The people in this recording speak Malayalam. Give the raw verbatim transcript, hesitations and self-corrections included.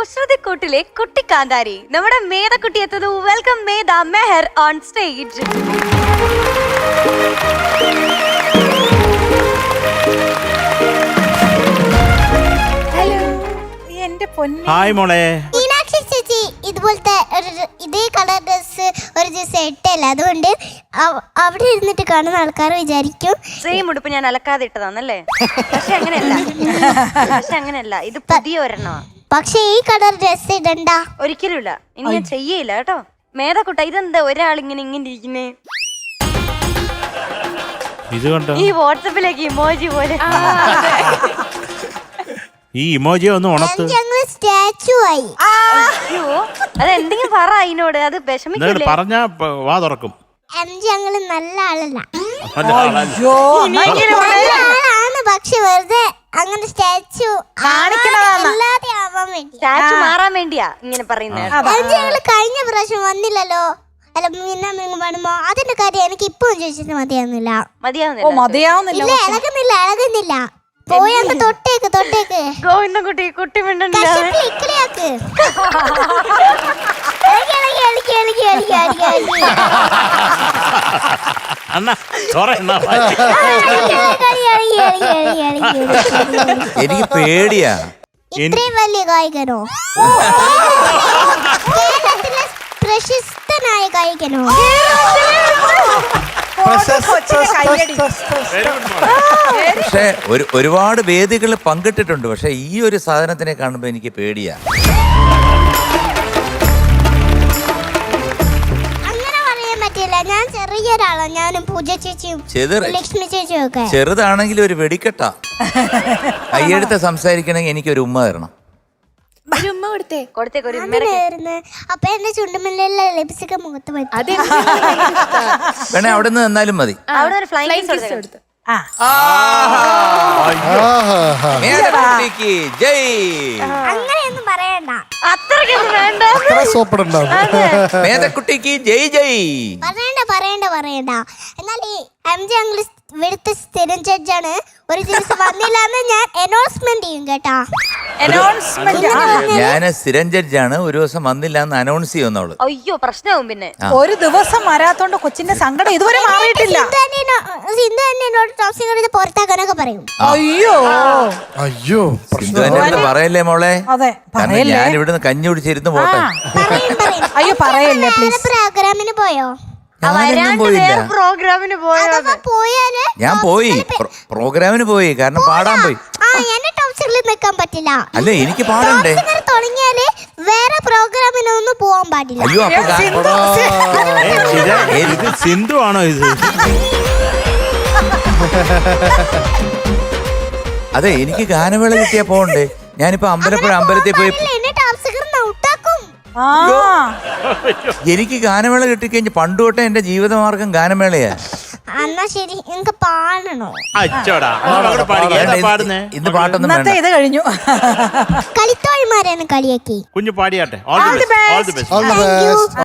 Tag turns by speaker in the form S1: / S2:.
S1: കുസൃതിക്കൂട്ടിലെ കുട്ടിക്കാന്താരി നമ്മുടെ മേധക്കുട്ടി എത്തുന്നു. Welcome Medha Mehar on stage.
S2: Hello എന്റെ പൊന്നെ.
S3: ഹായ് മോളെ.
S4: മീനാക്ഷി ചേച്ചി ഇതുപോലത്തെ ഒരു ഇതേ കളർ ഡ്രസ് ഒരു ദിവസം ഇട്ടല്ല, അതുകൊണ്ട് അവിടെ ഇരുന്നിട്ട് കാണുന്ന ആൾക്കാർ വിചാരിക്കും
S1: സെയിം ഉടുപ്പ് ഞാൻ അലക്കാതെ ഇട്ടതാന്നല്ലേ. പക്ഷെ അങ്ങനെയല്ല, പക്ഷെ അങ്ങനെയല്ല, ഇത് പുതിയ ഒരെണ്ണ.
S4: പക്ഷെ ഈ കളർ ഡ്രസ് ഇടണ്ട.
S1: ഒരിക്കലും ഇല്ല, ഇനി ഞാൻ ചെയ്യയില്ല കേട്ടോ. മേധക്കുട്ട ഇതെന്താ ഒരാൾ ഇങ്ങനെ ഇങ്ങനെ ഇരിക്കുന്നേ?
S3: ഇത് കണ്ടോ,
S1: ഈ വാട്സപ്പിലേക്ക് ഇമോജി പോലെ.
S3: ഈ ഇമോജി ഒന്ന് ഉണത്ത്.
S4: ഞങ്ങൾ സ്റ്റാച്ചു ആയി.
S1: അയ്യോ, അത് എന്തെങ്കിലും പറ അതിനോട്, അത് വിഷമിക്കില്ലേ?
S3: പറഞ്ഞ വാ തുറക്കും.
S4: ഞങ്ങള് നല്ല ആളല്ല,
S2: അയ്യോ,
S4: നല്ല ആളാണ്. പക്ഷെ വെറുതെ അങ്ങനെ സ്റ്റാച്ചു അല്ലാതെ ആവാൻ വേണ്ടി,
S1: സ്റ്റാച്ചു മാറാൻ വേണ്ടിയാ ഇങ്ങനെ പറയുന്നത്.
S4: ഞങ്ങള് കഴിഞ്ഞ പ്രാവശ്യം വന്നില്ലല്ലോ. അല്ല പിന്നെ പാടുമ്പോ അതിന്റെ കാര്യം എനിക്ക് ഇപ്പം ചോദിച്ചിട്ട് മതിയാവുന്നില്ല.
S1: മതിയാവുന്നില്ല,
S4: ഇല്ല, ഇളകുന്നില്ല ഇളകുന്നില്ല. പോയൊക്കെ തൊട്ടേക്ക് തൊട്ടേക്ക്
S1: ഗോവിന്ദൻകുട്ടി കുട്ടി മിണ്ടണില്ല.
S4: ഇക്കിളിയാക്ക്. എളിക്ക്, എളിക്ക്, എളിക്ക്, എളിക്ക്, എളിക്ക്, എളിക്ക്, എളിക്ക്.
S3: അണ്ണാ സോറി അണ്ണാ.
S4: എളിക്ക്, എളിക്ക്, എളിക്ക്, എളിക്ക്, എളിക്ക്.
S5: എനിക്ക് പേടിയാ.
S4: ഇത്രയും വലിയ ഗായകനോ? കേരളത്തിലെ പ്രശസ്തനായ ഗായകനോ?
S5: പക്ഷെ ഒരു ഒരുപാട് വേദികളിൽ പങ്കിട്ടിട്ടുണ്ട്. പക്ഷെ ഈ ഒരു സാധനത്തിനെ കാണുമ്പോ എനിക്ക് പേടിയാ.
S4: അങ്ങനെ പറയാൻ പറ്റില്ല. ഞാൻ ചെറിയൊരാളാ. ഞാനും പൂജ ചേച്ചിയും ലക്ഷ്മി ചേച്ചിയും ഒക്കെ.
S5: ചെറുതാണെങ്കിൽ ഒരു വെടിക്കെട്ടാ. കയ്യെടുത്ത് സംസാരിക്കണമെങ്കിൽ എനിക്കൊരു ഉമ്മ തരണം.
S4: അപ്പൊ എന്റെ ചുണ്ടുമില്ല ലിപ്സ്റ്റിക് മുഖത്ത് പറ്റും.
S5: വേണേ അവിടെ നിന്ന് തന്നാലും മതി.
S1: അവിടെ ഒരു ഫ്ലൈങ് കിസ് കൊടുത്തു.
S4: അങ്ങനെയൊന്നും പറയണ്ട.
S1: അത്രയ്ക്കൊന്നും വേണ്ട.
S5: മേധക്കുട്ടിക്ക് ജയ് ജയ്
S4: പറയണ്ട പറയണ്ട പറയണ്ട. എന്നാൽ ഈ എം ജി അങ്കിൾ ഇവിടുത്തെ സ്ഥിരം ജഡ്ജാണ്. ഒരു ദിവസം വന്നില്ലാന്ന് ഞാൻ അനൗൺസ്മെന്റ് ചെയ്യും കേട്ടാ.
S5: ഞാന് സ്ഥിരം ജഡ്ജാണ്. ഒരു ദിവസം വന്നില്ല എന്ന് അനൗൺസ് ചെയ്യുന്നവള്.
S1: അയ്യോ പ്രശ്നവും. പിന്നെ
S2: ഒരു ദിവസം വരാത്തോണ്ട് കൊച്ചിന്റെ സങ്കടം ഇതുവരെ മാറിയിട്ടില്ല.
S4: സിന്ധു തന്നെ എന്നോട് ടോപ്സിംഗ് എടുത്ത് പുറത്താക്കാനൊക്കെ പറയും.
S2: അയ്യോ
S5: അയ്യോ സിന്ധു എന്നെ പറയല്ലേ മോളെ.
S2: അതെ
S5: കാരണം ഞാൻ ഇവിടുന്ന് കഞ്ഞി കുടിച്ചിരുന്ന് പോട്ടെ.
S4: പറയും പറയും.
S2: അയ്യോ പറയല്ലേ പ്ലീസ്.
S4: പ്രോഗ്രാമിന് പോയോ?
S5: ഞാനൊന്നും പോയില്ല.
S1: പ്രോഗ്രാമിന്
S4: പോയാല്
S5: ഞാൻ പോയി പ്രോഗ്രാമിന് പോയി, കാരണം പാടാൻ പോയി.
S4: ആ എന്നെ ടോപ്സിംഗിൽ നിൽക്കാൻ പറ്റില്ല.
S5: അല്ല എനിക്ക് പാടണ്ടേ.
S4: തുടങ്ങിയാല് വേറെ പ്രോഗ്രാമിനൊന്നും പോവാൻ പാടില്ല.
S5: അയ്യോ അപ്പൊ
S3: ഇത് സിന്ധു ആണോ ഇത്?
S5: അതെ എനിക്ക് ഗാനമേള കിട്ടിയാ പോണ്ടേ. ഞാനിപ്പോ അമ്പലപ്പുഴ അമ്പലത്തിൽ പോയി. എനിക്ക് ഗാനമേള കിട്ടിക്കഴിഞ്ഞ് പണ്ട് തൊട്ടേ എന്റെ ജീവിതമാർഗം ഗാനമേളയാ.
S4: എന്നാ ശരി, എനിക്ക് പാടണോ?
S5: ഇന്ന് പാട്ടൊന്നും വേണ്ട.
S2: ഇത് കഴിഞ്ഞു.
S4: കളിത്തോഴിമാരാണ് കളിയാക്കി.
S3: കുഞ്ഞു പാടിയാട്ടെ. All the best.